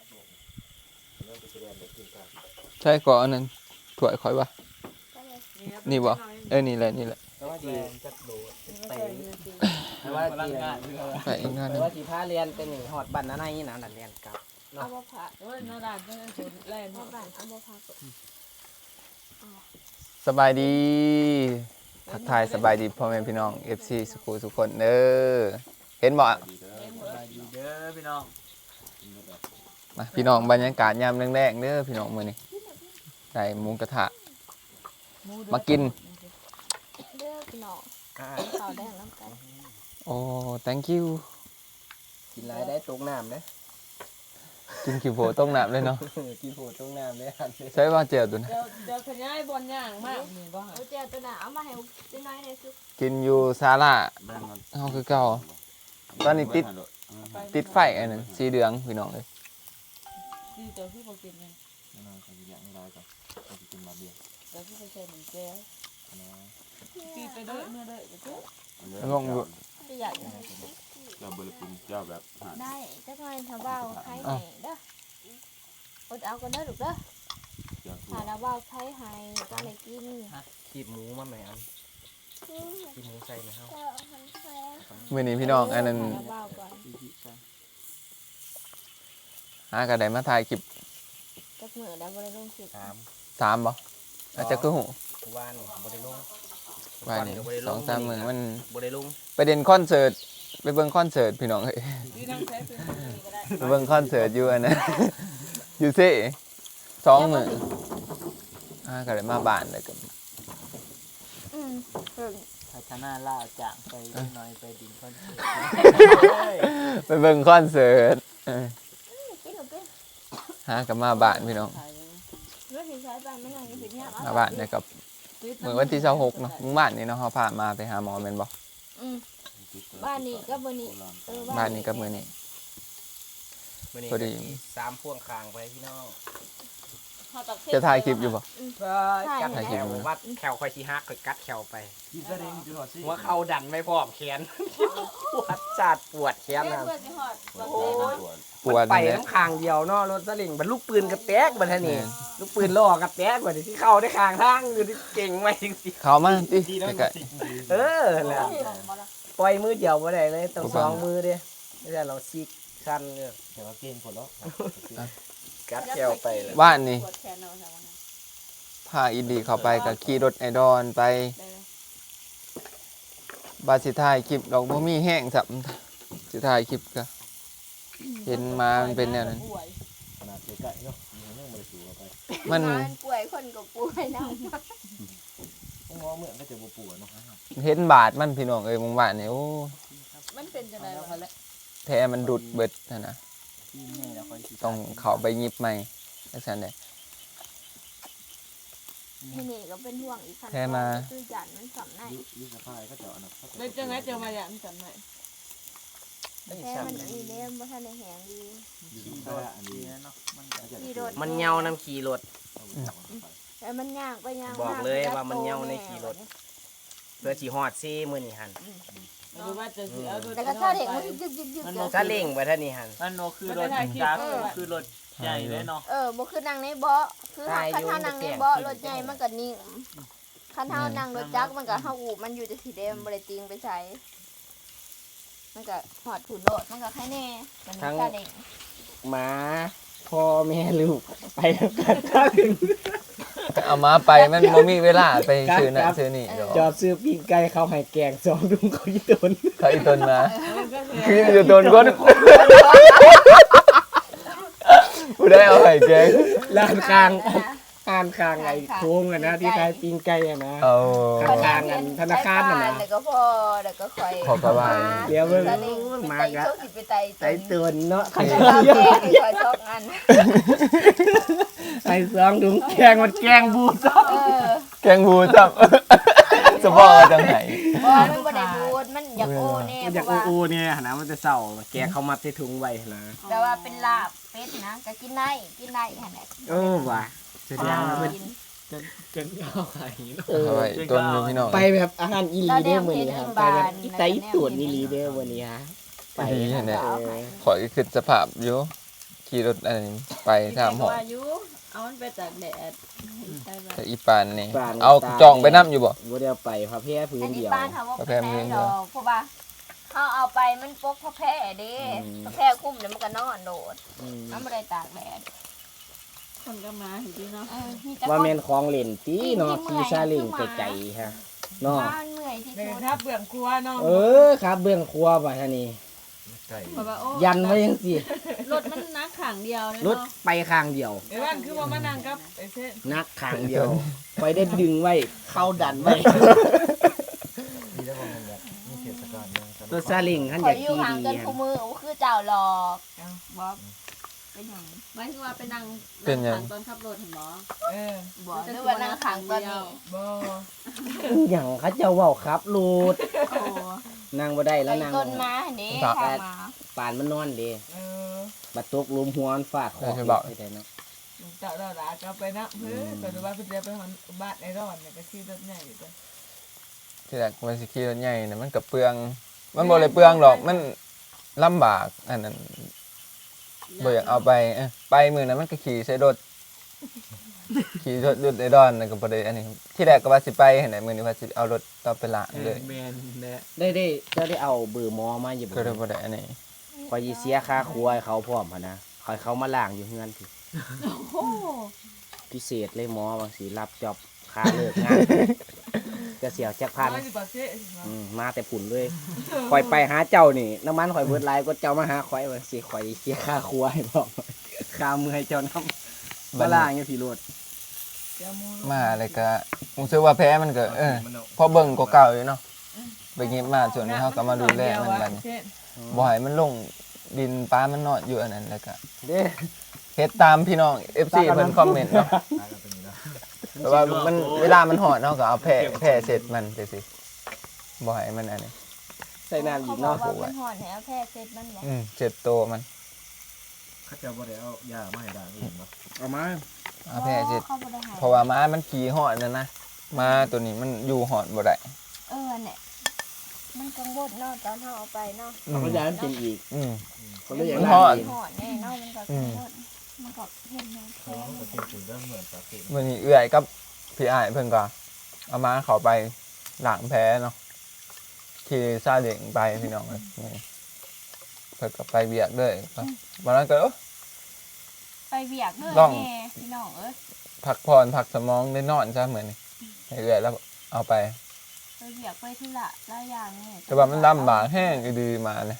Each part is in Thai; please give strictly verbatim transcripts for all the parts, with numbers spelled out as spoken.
ใช่ก่อนอันนั้นถ้วยข่อยบ่นี่บ่เอ้ยนี่แหละนี่แหละแต่ว่าจีจัดโดดไปแต่ว่าจีไปอีกงานนึแต่งว่าจีพาเรียนเป็นหนึ่งหอดบันนั่นนี่นะนั่นเรียนกับเอาบ่ผ่าโอ้ยนาดานจังซั่นแล่นบ่ผ่าเอาบ่ผ่าสบายดีทักทายสบายดีพ่อแม่พี่น้อง เอฟ ซี สุขุทุกคนเด้อเห็นบ่สบายดีเด้อพี่น้องมาพี่น้องบรรยากาศยามแรกๆเด้อพี่น้องมื้อนี้ได้หมูกระทะมากินเด้อพี่น้องข้าวแดงน้ำไก่โอ้ thank you กินไรได้ตกน้ำเด้กินขี้โพต้มน้ำเลยเนาะกินโผล่ตกน้ำเด้ใช่ว่าเจียวตัวนะเดี๋ยวเดี๋ยวขยายบอลย่างมากนี่บ่เอาเจ้าตัวน่ะเอามาให้จิ้น้อยในซุปกินอยู่ศาลาเฮาคือเก่าตอนนี้ติดติดไฟอันนั้นสีเหลืองพี่น้องเอ้ยดีเจ้าพี่บ่กินไงน้องเขาอยากให้ได้ก่อนเขาจะกินมาเบียร์เดี๋ยวพี่ไปใส่หมูแก้วตีไปเด้อเมื่อเด้อเด้องงอยู่สิอยากยังไงเจ้าบริกุลเจ้าแบบหาได้จักหน่อยถ้าเว้าใครให้เด้ออดเอากันเด้อลูกเด้อเจ้าถ้าเราเว้าใครให้ก็ได้กินขีดหมูมาไหมอันขีดหมูใส่ไหมครับมื้อนี้พี่น้องอันนั้นถ้าเราเว้าก่อนหาก็ได้มาถ่ายคลิปจักมื้อได้บ่ได้ลงคลิปสามสามบ่อาจจะคือหูวานบริลงว่านี่สองสามมื้อมันบริลงไปเด่นคอนเสิร์ตไปเบิ่งคอนเสิร์ตพี่น้องเอ้ยพี่นั่งใช้เป็นนี่ก็ได้ไปเบิ่งคอนเสิร์ตอยู่อันนั้น อยู่ซิสองมื้ออ่าก็ได้มาบ้านแล้วก็อืมพัฒนาล่าจากไปหน่อยไปดินคนไปเบิ่งคอนเสิร์ตเออกินหนูกินหากับมาบ้านพี่น้องเรื่องที่ใช้บ้านไม่นานยังผิดเนี่ยมาบ้านเนี่ยกับมื้อวันที่ยี่สิบหกเนาะมื้อบ้านนี่เนาะเฮาพามาไปหาหมอแม่นบ่อืมบ้านนี้ก็มื้อนี้เออบ้านนี้กับมื้อนี้ พอดีสามพ่วงคางไปพี่น้องจะถ่ายคลิปอยู่บ่กัดถ่ายแขคลิปวอยู่วัดแขวคอยชีฮักคอยกัดแขวไปกินซะเองจุดหอดสิหัวเข่าดันไม่พร้อมแขนปวดจัดปวดแขนนะโอ้ยปวดไปนั่นแหละน้ำคางเดียวเนาะรถสลิงบรรลูกปืนกระแตกบัดท่านี่ลูกปืนล่อกระแตกบัดที่เข้าได้คางทางอยู่ที่เก่งไหมจริงเข้ามาติใกล้ๆเออแหละปล่อยมือเดียวบ่ได้เลยต้องสองมือเด้ไม่ใช่เราซีกคันเลยแต่ว่าเก่งผลแล้วกัดแขวไปเลยๆบ้านนี่พาอีดีเข้าไปก็ขี่รถไอดอนไปบาสิถ่ายคลิปดอกบ่มีแห้งสับสิถ่ายคลิปก็เห็นมามันเป็นแนวนั้นขนาดใกล้ๆเนาะมันยังไม่ได้สูงไปมันป่วยคนก็ป่วยนะต้องมองเหมือนก็จะปวดเนาะเห็นบาดมันพี่น้องเอ้ยหมู่บ้านนี่โอ้มันเป็นจังได๋ล่ะแท้มันดุดเบิดนั่นน่ะต้องเข้าไปหยิบใหม่จังซั่นเด้ที่นี่ก็เป็นห่วงอีกคันแค่มาคือจันมันสำในยุสภาพก็จะเอานะแล้วจังไงเจอมาอย่างจำไหนแค่มันอันนี้เด้บ่ทันได้แหงดียุสภาพอันนี้เนาะมันขี่รถมันเหงาน้ำขี่รถแต่มันย่างไปย่างบอกเลยว่ามันเหงาในขี่รถ เพื่อสีฮอดซี่มือนี่หันหรือว่าจะเสียแต่ก็ชาเด็กมันยึกยึกยึกยึกซาเล้งไปท่านี่หันมันโนคือรถจักรคือรถใหญ่เลยเนาะเออบ่คือนั่งในเบาะคือคันเฮานั่งในเบาะรถใหญ่มันก็นิ่งคันเฮานั่งรถจักรมันก็เฮาอูบมันอยู่จะสิเด้มันบ่ได้ติงไปใช้มันก็หอดถุนโลดมันก็แค่แน่มันชาเด็กหมาพ่อแม่ลูกไปแล้วกันข้างเอามาไปมันบ่มีเวลาไปซื้อนั่นซื้อนี่ดอกจอดซื้อปิ้งไก่เขาให้แกงสองดุงเขาอีตนเขาอีตนมามันก็เสียคืออยู่ตนคนผู้ได้เอาไห้แกงร้านคางอ่านคางไอ้โค้งอะนะที่ขายปิ้งไก่อะนะเอาข้างๆกันธนาคารน่ะนะแล้วก็พอแล้วก็ค่อยขอประมาณเดี๋ยวเบิ่งตอนนี้มาไต่กะโชคสิไปไต่ไต่ตนเนาะเขาจะเอาแกงให้ค่อยชอบอันไอ้สองดุงแกงมันแกงบูดเออแกงบูจับสปอร์จังไหนบ่มันบ่ได้บูดมันอยากโอ้แน่มันเพอยากราะว่าอูๆเนี่ยนะมันจะเศร้าแกงเขามัดใส่ถุงไว้นะแต่ว่าเป็นลาบเป็ดนะก็กินได้กินได้หั่นแหละโอ้ว่ะแสดงว่าเพิ่นกินจนข้าวไข่เนาะเออเอาไว้ต้นอยู่พี่น้องไปแบบอาหารอีหลีเด้อมื้อนี้ครับไปแบบอีไตอีตวนอีหลีเด้อวันนี้ฮะไปดีแน่เออขออีกคือสภาพอยู่ขี่รถอันนี้ไปถามหอว่าอยู่เอามันไปตากแดดใช่ป่ะแต่อีปานนี่เอาจองไปนํอยู่บ่บ่ได้เอาไปพระแพร่พื้อันนนี้เดียวป้านเขาว่าเป็นแพ้ดอกเพราะว่าเขาเอาไปมันปกพระแพ้เด้พระแพ้คุ้มเดี๋ยวมันก็นอนโดดอืมมันไม่ได้ตากแดดคนก็มาอยู่ดีเนาะเออมีแต่ว่าคนแม่นของเล่นตีเนาะขี่ซาเล้งไกลๆฮะเนาะบ้านเมื่อยที่เดี๋ยสุวดถ้าเบื่อครัวเนาะเออครับเบื้องครัวบ่ท่านี่ไก่แบบว่าโอ้ยันไว้จังซี่รถมันนักขังเดียวเลยรถเนาะไปข้างเดียวไอ้บ้านคือว่ามานั่งกับไอ้เส้นนักข้างเดียวไปได้ดึงไว้เข้าดันไว้ดีแล้วว่ามันแบบมีเทศกาลเนี่ยตัวซาเล้งคันขออยากอยู่ขี่ห่างดีกันฮะคู่มือโอ้คือเจ้าหลอกบ๊อบเป็นหยังหมายถึงว่าไปนั่งเป็นหยังตอนขับรถเห็นบ่เออบอกหรือว่านั่งขังตอนนี้บ่หยังเขาเจ้าเว้าครับลูดโอ้นั่งบ่ได้ไปแล้วนั่งต้นมาเด้ครับทางมาปานมันนอนเด้เออบัดตกหลุมหัวมันฟาดคอใช่เปล่าไปได้เนาะเจ้าดอกหลาก็ไปนะเพื่อก็ดูว่าเพิ่นจะไปหอนบ้านไอ้ร้อนเนี่ยก็ขี่รถใหญ่อยู่ตัวที่แรกมันสิขี่รถใหญ่เนี่ยมันก็เปลือง มันบ่ได้เปลืองหรอกมันลำบากอันนั้นบ่อยากเอาไปเอ้ยไปมื้อนั้นมันก็ขี่ใส่รถขี่รถรถไอ้ดอนนั่นก็บ่ได้อันนี้ที่แรกก็ว่าสิไปหั่นน่ะมื้อนี้ว่าสิเอารถต่อไปล้างเลยแมนแน่ได้ได้เจ้าได้เอาเบอร์หมอมาอยู่บ่ก็เลยบ่ได้อันนี้คอยสิเสียค่าครัวให้เขาพร้อมหั่นนะคอยเขามาล้างอยู่เฮือนพี่โอ้พิเศษเลยหมอบางสิรับจอบค่าเลิกงาน จะเสียจักพันน้อยอยู่ปากเซ่สิเนาะอืมมาแต่ผุ่นเลยคอยไปหาเจ้านี่น้ำมันคอยเบิดหลายก็เจ้ามาหาคอยว่าสิคอยเสียค่าครัวให้พร้อมค่ามือให้เจ้านำมาล้างอยู่พี่โลดเจ้ามูมาเลยก็รู้สึกว่าแพ้มันก็เออพอเบิ่งก็เก่าอยู่เนาะไปเก็บมาส่วนนี้เฮาก็มาดูแลมันบัดนี้เช่นบ่ให้มันลงดินปลามันนอนอยู่อันนั้นแล้วก็เด้เฮ็ดตามพี่น้อง เอฟ ซี เพิ่นคอมเมนต์เนาะตายกันเป็นอย่างนี้นะแต่ว่ามันเวลามันหอนเนาะก็เอาแผ่แผ่เสร็จมันจังซี่บ่ให้มันอันนี้ใส่น้ำอีเขากบอเนาะกว่ามันห่อนแล้วแพ้เสร็จมันบอกอืมเจ็ดโตมันเขาจะบ่ได้เอายามาให้ด่างเองบ่เอามาเอาแผ่เสร็จเขาบ่ได้ให้เพราะว่าม้ามันขี่หอนนั่นนะม้าตัวนี้มันอยู่หอนบ่ได้เออเนี่ยมันกังวลเนาะตอนเฮาเอาไปเนาะอืเอามมาย้ายมันเป็นอีกอืมเขาเลยอยากมันล้างทอดเองห่อนแน่เนาะมันก็กังวลมันก็เห็นแม่แพ้เขาก็จริงๆก็เหมือนปกติมื้อนี้เอื้อยกับพี่อ้ายเพิ่นก็เอาม้าเขาไปล้างแผลเนาะขี่ซาเล้งไปพี่น้องเอ้ยนี่เพิ่นก็ไปเบียกเลยวันนั้นก็เอ้อไปเบียกเลยลองแม่พี่น้องเอ้ยพักผ่อนพักสมองได้นอนซะเหมือนนี่ให้เอื้อยแล้วเอาไปไปเบียกไปธุระหลายอย่างนี่แต่ว่ามันลำบากแห้งอยู่ดีมาเลย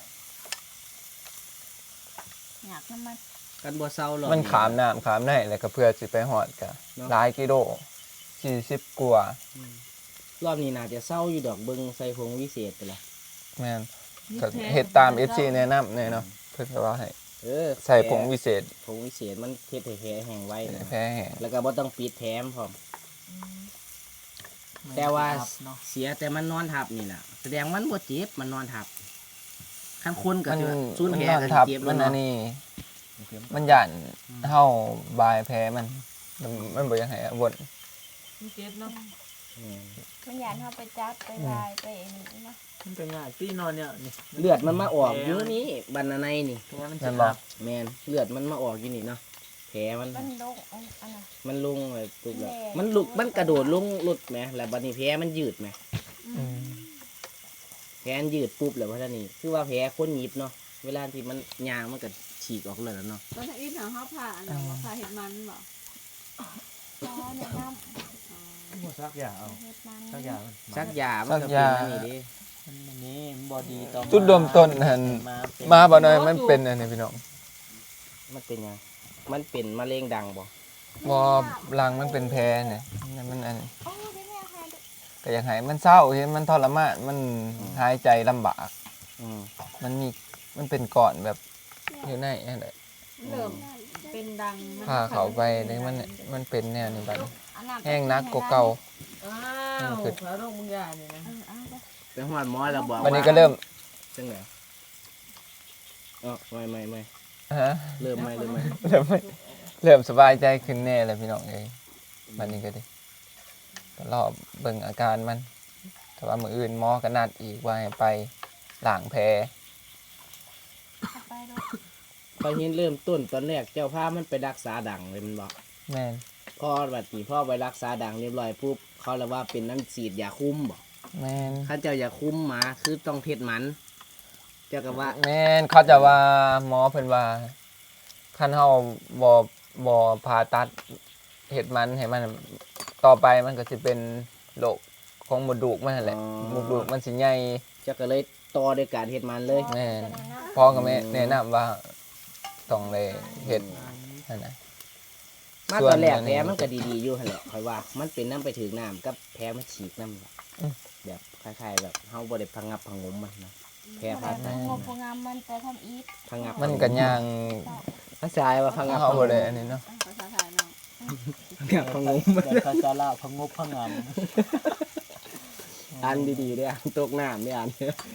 อยากน้ำมันกันบ่เศร้าหรอกมันขามน้ำขามได้แล้วก็เพื่อสิไปหอดกะหลายกิโลสี่สิบกว่ารอบนี้น่าจะเศร้าอยู่ดอกเบิ่งใส่ผงวิเศษไปละแม่นก็เฮ็ดตาม เอฟ ซี แนะนำเนี่ยเนาะเพื่อว่าให้เออใส่ผงวิเศษผงวิเศษมันเฮ็ดให้แผลแห้งไว้นะแพ้แห้งแล้วก็บ่ต้องปิดแถมพร้อม แต่ว่าเนาะเสียแต่มันนอนทับนี่น่ะแสดงมันบ่เจ็บมันนอนทับคันคนก็มันจะสูญมันแผลนอนก็ทับเจ็บมัแล้วนอัเนาะนนี้มันหยันเฮาบายแพ้มันมันมันบ่อยังให้วนมันเจ็บเนาะอืมมันอยากเฮาไปจับไปลายไปอันนี้เนาะมันเป็นง่ายที่นอนเนี่ยนี่เลือดมันมาออกอยู่นี่บันในนี่แผลมันแม่จะนบบ่อกแมนเลือดมันมาออกอยู่นี่เนาะแผลมันมันลงอันอันน่ะมันลงเลยปุ๊บแล้วแม่มันลุกมันกระโดดลงหลุดไหมแล้วบัดนี้แผลมันยืดไหมอืมแผลมันยืดปุ๊บแล้วว่าท่านี่คือว่าแผลคนหยิบเนาะเวลาที่มันยางมันก็ฉีกออกเลยแล้วเนาะตอนที่ทางเขาผ่าอันนั้นว่าผ่าเห็ดมันบ่อ๋อแนะนบ่ซักยาเอาำเฮ็ดมันซักยามันซักยามันก็เป็นอันนี้เดิมันอันนี้มันบอดีต่อจุดเริ่มต้นหั่นมาเป็นมาบ่น้อยมันเป็นอันนี้พี่น้องมันเป็นหยังมันเป็นมะเร็งดังบ่บ่รังมันเป็นแพ้เนี่ยนั่นมันอันนี้โอ้ได้แม่ให้ดูก็อยากให้มันเศร้าเห็นมันทรมานมันหายใจลำบากอืมมันมีมันเป็นก่อนแบบอยู่ในนั่นแหละเริ่มเป็นดังมันพาเขาไปนี่มันมันเป็นแนวนี้บัดนี้อันนั้นแห้งนักกว่าเก่าอ้าวแล้วลงมึงยาเนี่ยนะเออเอาเด้อไปหอดหมอแล้วบอกวันนี้ก็เริ่มจังไหนอ๋อไม่ไม่ไม่ฮะเริ่มไม่เริ่มไม่เริ่มไม่เริ่มสบายใจขึ้นแน่เลยพี่น้องเอ้ยวันนี้ก็ดิก็รอเบิ่งอาการมัน แต่ว่ามื้ออื่นหมอก็นัดอีกว่าให้ไปล้างแผลเอาไปดูพอเห็นเริ่มต้นตอนแรกเจ้าพามันไปรักษาดังเลยมันบอกแม่นพอบัดนี้พ่อไปรักษาดังเรียบร้อยปุ๊บเขาเลยว่าเป็นน้ำฉีดยาคุมบอกแม่นข้าเจ้าอย่าคุมหมาคือต้องเทศมัน เจ้าก็ว่าแม่นเขาจะว่าหมอเพิ่นว่าคันเฮาบ่บ่ผ่าตัดเฮ็ดมันให้มันต่อไปมันก็สิเป็นโรคของมดลูกมันนั่นแหละมดลูกมันสิใหญ่เจ้าก็เลยต่อด้วยการเทศมันเลยแม่นพ่อกับแม่แนะนำว่าต้องเลยเฮ็ดนั่นน่ะมาส่วนตอนแรกอันแผนี้ลมันก็ดีๆอยู่หั่นแหละคอยว่า มันเป็นน้ำไปถึงน้ำกับแผลมันฉีกน้ำอืมแบบคล้ายๆแบบเฮาบ่ได้พังงับพังงมมันนะแผลผ่าตัดงบประงามมันแต่ทำอีกพังงับมันก็ย่างภาษาว่าพังงับเฮาบ่ได้อันนี้เนาะภาษาไทยเนาะพังงับพังงมแต่ภาษาลาวพะงบพะงามอ่านดีๆเด้ออ่านตกน้ำไม่อ่าน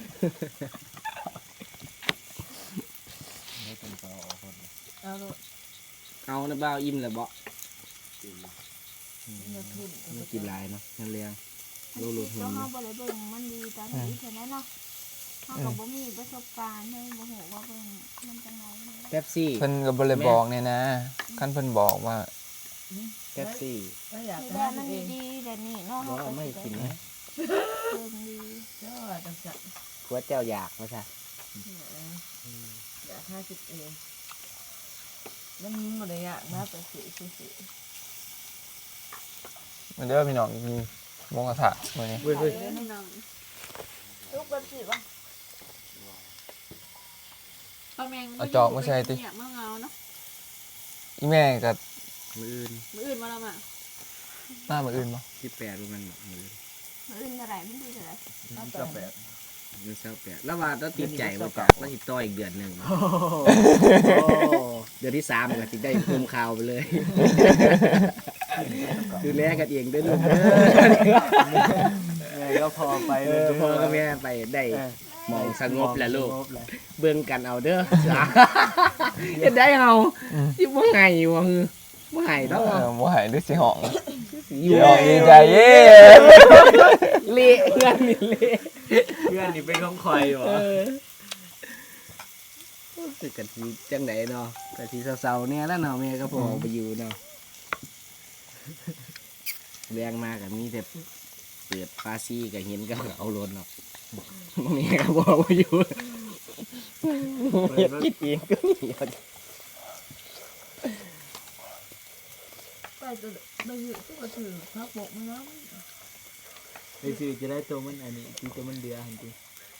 ไม่เป็นสออคนเอาลูกเอาน้ำเบ้าอิ่มแล้วบ่เนื้อทุนไม่กินหลายเนาะนั่นเลี้ยงลูกลูกหุ่นก็เฮาบ่ได้เบิ่งมันดีตอนนี้เท่านั้นเนาะเฮาก็บ่มีประสบการณ์เฮาบ่ฮู้ว่าเบิ่งมันจังได๋เป๊ปซี่เพิ่นก็บ่ได้บอกเนี่ยนะคันเพิ่นบอกว่าเป๊ปซี่ไม่อยากคือให้ว่าตัมัวน เองดีๆแต่นี่เนาะบ่ไม่กินนะเบิ่งดีเจ้าจังสันกลัวเจ้าอยากว่าซะอยากให้ตัวเองมันบ่ได้อยากนะไปสิสิสิมันเด้อพี่น้องกินหมูกระทะมื้อนี้เว้ยเล่นให้น้องลูกแบบสิว่าป้าแมงเอาจอกมาใส่ติอยากมาเงาเนาะอีแม่ก็มืออื่นมืออื่นมาแล้วมามามื้ออื่นบ่ที่แปดมันมืออื่นมื้ออื่นเท่าไหร่มันดีเท่าไหร่ก็แปดมือเศร้าแปดแล้วว่าต้องติดใจว่าจากแล้วติดต่ออีกเดือนหนึ่งเดือนที่สามก็ติดได้คุมข่าวไปเลยดูแลกันเองด้วยลูกเด้อแม่ก็พอไปเออพ่อกับแม่ไปได้หมองสงบแหละลูก เบิ่งกันเอาเด้อเฮ็ดได้เฮาสิบ่ไงวะฮือบ่ไห้ดอกเออบ่ให้หรือสิห้องอยู่สิห้องดีใจเย้เละเพื่อนนี่เละเพื่อนนี่เป็นของคอยอยู่เออสึกกันสิจังไดเนาะก็สิเศร้าๆเนี่ยแล้วเนาะแม่ก็พอไปอยู่เนาะแรงมาก็มีแต่เปิดฟาซี่ก็เห็นก็เอารถเนาะแม่ก็บอกว่าอยู่เฮ็ดคิดเองก็มีไปตัวไปอยู่ที่ก็ถือพักบกมันแล้วไปซื้อจะได้ตัวมันอันนี้ที่ตัวมันเดือหันที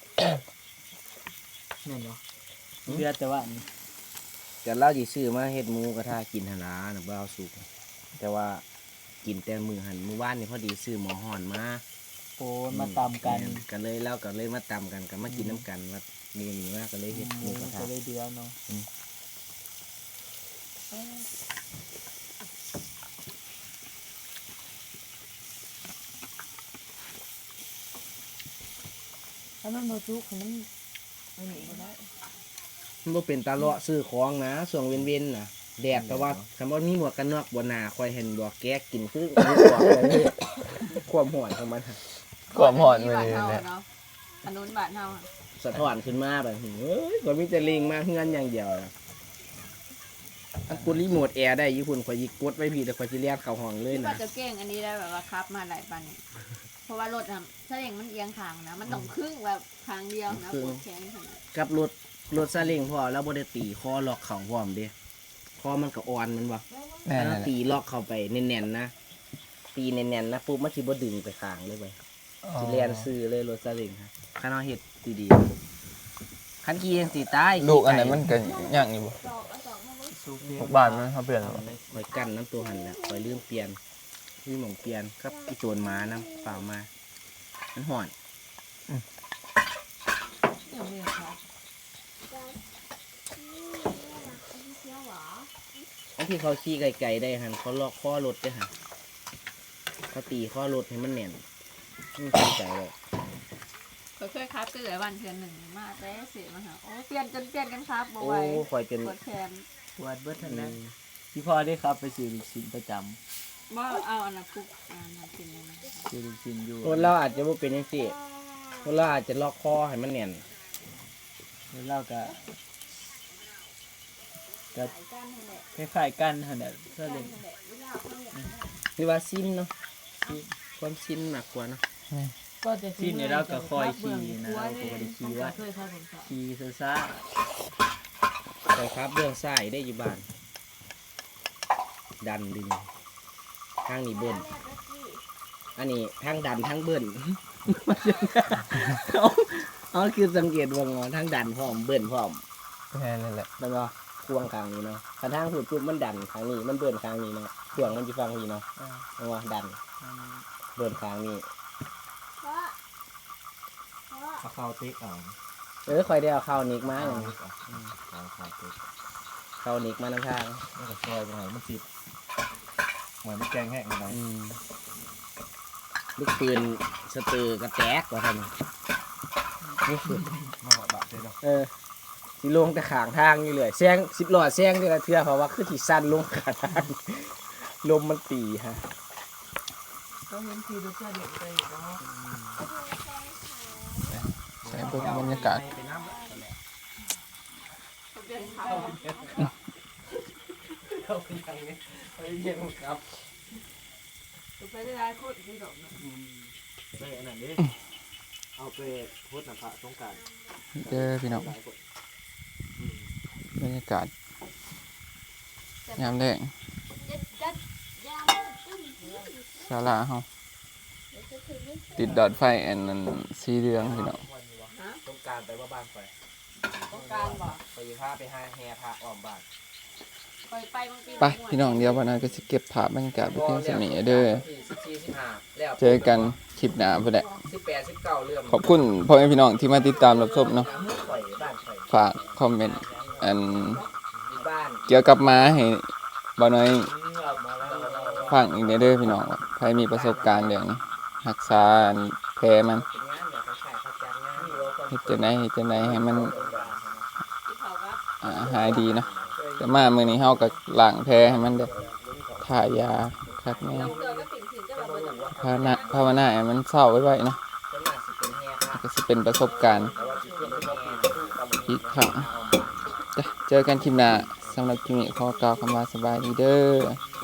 แม่นบ่เดือแต่ว่าอันนี้แต่เราสิซื้อมาเฮ็ดหมูกระทะกินหั่นล่ะน่ะบ่เอาสุกแต่ว่ากินแต่มื้อหั่นมื้อวานนี่พอดีซื้อหม้อฮ้อนมาโอ้มาตามกันก็เลยเล่าก็เลยมาตำกันก็มากินน้ำกันว่ามีหนีมากก็เลยเฮ็ดหมูกระทะก็เลยเดือเนาะถ้ามันบ่จุกมันอันนี้บ่ได้มันบ่เป็นตาเลาะซื้อของนะช่วงเว้นๆน่ะแดดแต่ว่าคำว่ามีหมวกกันน็อกบนหน้าคอยเห็นดอกแก๊กกินคือมีหมวกเลยความหอนของมันความหอนมื้อบ้านนี้เฮาแหละเนาะอันนู้นบ้านเฮาอะสะท้อนขึ้นมาแบบเฮ้ยก็มีแต่ลิงมาเฮือนอย่างเดียวน่ะอันกดรีโมทแอร์ได้ญี่ปุ่นข่อยยิกดไว้พี่แต่ข่อยสิเลียนเข้าห้องเลยที่ว่านะจะเก่งอันนี้ได้แบบว่าครับมาหลายปันเนี่ยเพราะว่ารถอะถ้าอย่างมันเอียงทางนะ มันต้องครึ่งแบบทางเดียวนะปวดแขนขนาดกับรถรถซาเล้งพอแล้วบ่ได้ตีคอล็อกเข่าพร้อมเด้คอมันก็อ่อนแมันบ่แม่นถ้านั่นแหละตีล็อกเข้าไปแน่นๆนะตีแน่นๆนะปุ๊บมันสิบ่ดึงไปข้างเลยไปสิแล่นซื้อเลยรถซาเล้งครับคันเอาเฮ็ดดีๆคันขี่จังสิตายลูกอันไหนมันก็ย่างอยู่บ่สูบลูกบ้านมันเขาเปลี่ยนบ่คอยกั้นน้ำตัวหันแหละคอยลืมเปลี่ยนมีหม่องเปลี่ยนครับอีโจนหมานํเปล่ามามันห่อนเดี๋ยวนี้ค่ะอันที่เขาขี่ไกลๆได้หันเขาล็อกข้อรถได้หันเขาตีข้อรถให้มันแน่นนี่เข้าใจเลยเคยเคยครับก็เหลือวันเทือนหนึ่งมาแต่เสียมาหาโอ้เปลี่ยนจนเปลี่ยนกันครับบ่โอ้ไหวคอยจนปวดแขนปวดเบิดทันอืนะมที่พ่อได้ครับไปซื้อลูกชิ้นประจบ่เอาอันนั้นคุกอันนั้นกินเลยนะำซื้อลูกชิ้นอยู่คนเราอาจจะไม่เป็นยังสิคนเราอาจจะล็อกคอให้มันแน่นแล้วเราก็ขายกันนั่นแหละคล้ายๆกันหั่นน่ะซากันเล้งนั่นแหละเวลาเขาอยากได้หรือว่าสิ้นเนาะความสิ้นมากกว่าเนาะก็จะที่นี่เราก็คอยขี่นะเราก็บ่ได้ขี่ว่าช่วยครับผมค่ะขี่ซ่าแต่ครับเรื่องซ้ายได้อยู่บ้าน ดันดึงทางนี้เบิ้ลอันนี้ทางดันทางเบิ้ล เอาเอาคือสังเกตว่างอทางดันพร้อมเบิ้ลพร้อมแค่นั้นแหละแล้วก็ควงข้างนี้เนาะกระทั่งหูดปุ๊บมันดันข้างนี้มันเบิ้ลข้างนี้เนาะควงมันจะฟังนี้เนาะเอาว่าดันเบิ้ลข้างนี้เพราะเพราะเอาข้าวติ๊กเอาเออคอยได้เอาเข้าวนิกมาเอาอย่างติ๊กเอาเอาข้าวติ๊กเข้าวนิกมานำทางแล้วก็ซอยไปหน่อยมันสิบเหมือนมันแกงแห้งไปหน่อยอืมลูกปืนสเตอร์กระแจกว่าท่านนี่คือมาหอดบะเลยเนาะเออสิลงแต่ขางทางอยู่เลยแซงสิบล้อแซงนี่ละเทื่อเพราะว่าคือที่สั้นลงขางทางลมมันตีฮะก็เห็นทีรสชาติเด็ดไปอยู่เนาะใช้เบิ่งบรรยากาศไปน้ำละเปลี่ยนเขาเข้าไปทางนี้ไปเย็นครับไปได้หลายคนที่ดอกเนาะได้อันนั้นดิเอาไปโพดน้ำพระสงกรานต์เจอพี่น้องบรรยากาศยามแดงจัดจัดยามตึ้มศาลาเฮาติดดอดไฟอันนั้นสีเหลืองพี่น้องสงกรารไปว่าบ้านไปต้องการบ่ไปพาไปหาแห่พระอ้อมบ้านไปไปบางปีไปพี่น้องเดียววันนั้นก็สิเก็บภาพบรรยากาศไปเพียงสนี้เด้อที่สิบสี่สิบห้าแล้วเจอกันคลิปหน้าพุ่นแหละสิบแปดสิบเก้าเรื่องขอบคุณพ่อแม่พี่น้องที่มาติดตามรับชมเนาะข่อยบ้านข่อยฝากคอมเมนต์อันอยู่บ้านเกี่ยวกับม้าให้บ่น้อยเรามาแล้วเราฟังอีกเด้อพี่น้องว่าใครมีประสบการณ์เรื่องรักษาอันแผลมันเป็นงานแบบขายเขาจัดงานเฮ็ดจังได๋เฮ็ดจังได๋ให้มันที่เขาว่าอ่าหายดีเนาะแต่มามื้อนี้เฮาก็ล้างแผลให้มันเด้อทายาคักแน่เราเจอก็สิ่งสิ่งจะมาเบิดภาวนาภาวนาให้มันเศร้าไว้ๆเนาะเป็นงานสิเป็นแห่พระก็สิเป็นประสบการณ์แต่ว่าสิเป็นแห่อีกครั้งจ้ะเจอกันคลิปหน้าสำหรับคลิปนี้ขอกล่าวคำว่าสบายดีเด้อ